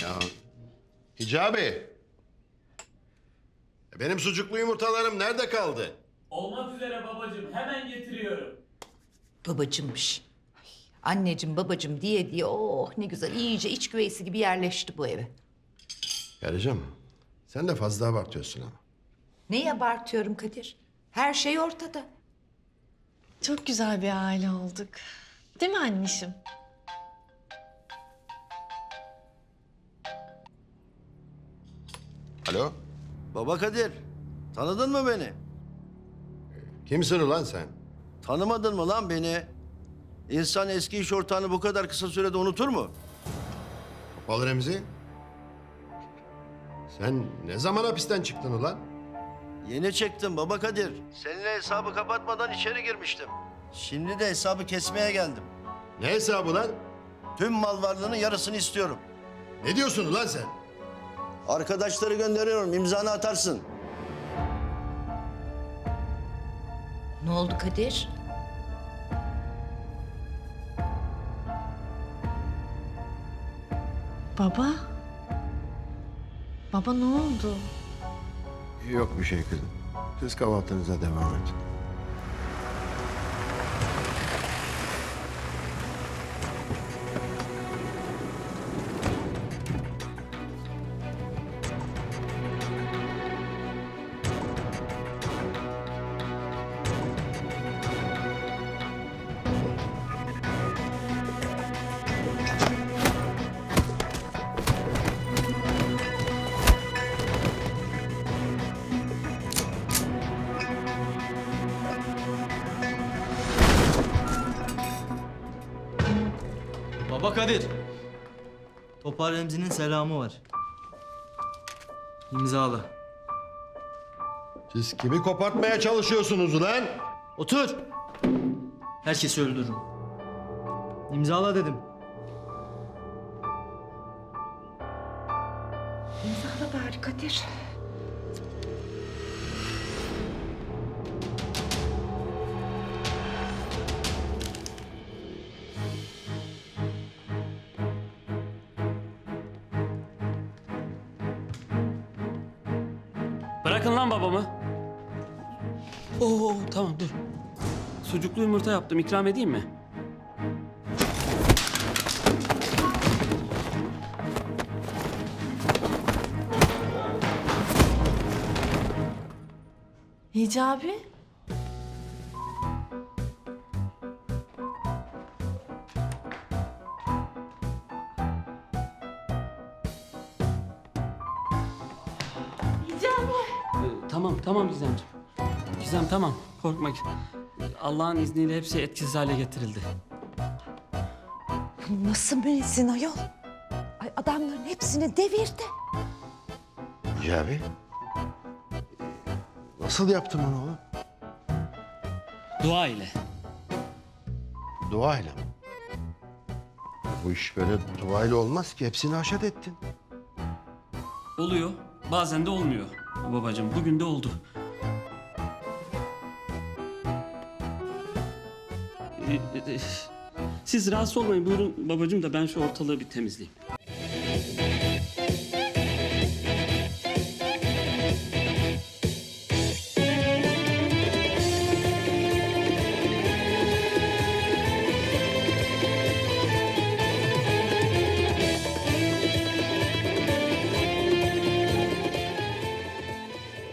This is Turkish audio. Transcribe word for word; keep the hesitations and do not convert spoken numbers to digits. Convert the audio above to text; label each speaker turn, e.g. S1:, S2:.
S1: Ya Hicabi. Benim sucuklu yumurtalarım nerede kaldı?
S2: Olmak üzere babacığım. Hemen getiriyorum.
S3: Babacımmış. Ay, anneciğim babacım diye diye oh ne güzel iyice iç güveysi gibi yerleşti bu eve.
S1: Karıcığım sen de fazla abartıyorsun ama.
S3: Neyi abartıyorum Kadir? Her şey ortada.
S4: Çok güzel bir aile olduk. Değil mi anneciğim?
S1: Alo?
S5: Baba Kadir, tanıdın mı beni?
S1: Kimsin ulan sen?
S5: Tanımadın mı lan beni? İnsan eski iş ortağını bu kadar kısa sürede unutur mu?
S1: Topal Remzi. Sen ne zaman hapisten çıktın ulan?
S5: Yeni çektim baba Kadir. Seninle hesabı kapatmadan içeri girmiştim. Şimdi de hesabı kesmeye geldim.
S1: Ne hesabı lan?
S5: Tüm mal varlığının yarısını istiyorum.
S1: Ne diyorsun ulan sen?
S5: Arkadaşları gönderiyorum, imzanı atarsın.
S3: Ne oldu Kadir?
S4: Baba? Baba ne oldu?
S1: Yok bir şey kızım. Siz kahvaltınıza devam edin.
S6: Baba Kadir. Topal Remzi'nin selamı var. İmzala.
S1: Siz kimi kopartmaya çalışıyorsunuz ulan?
S6: Otur. Herkesi öldürürüm. İmzala dedim.
S3: İmzala bari Kadir.
S2: Bırakın lan babamı. Oo tamam dur. Sucuklu yumurta yaptım. İkram edeyim mi?
S4: Hicabi?
S2: Ee, tamam tamam Gizemciğim. Gizem tamam. Korkma. Allah'ın izniyle hepsi etkisiz hale getirildi.
S3: Nasıl müezzin ayol? Ay adamların hepsini devirdi.
S1: Hicabi. Nasıl yaptın onu oğlum?
S2: Dua ile.
S1: Duayla mı? Bu iş böyle duayla olmaz ki. Hepsini haşat ettin.
S2: Oluyor. Bazen de olmuyor. Babacığım bugün de oldu. Ee, e, e, Siz rahatsız olmayın. Buyurun babacığım da ben şu ortalığı bir temizleyeyim.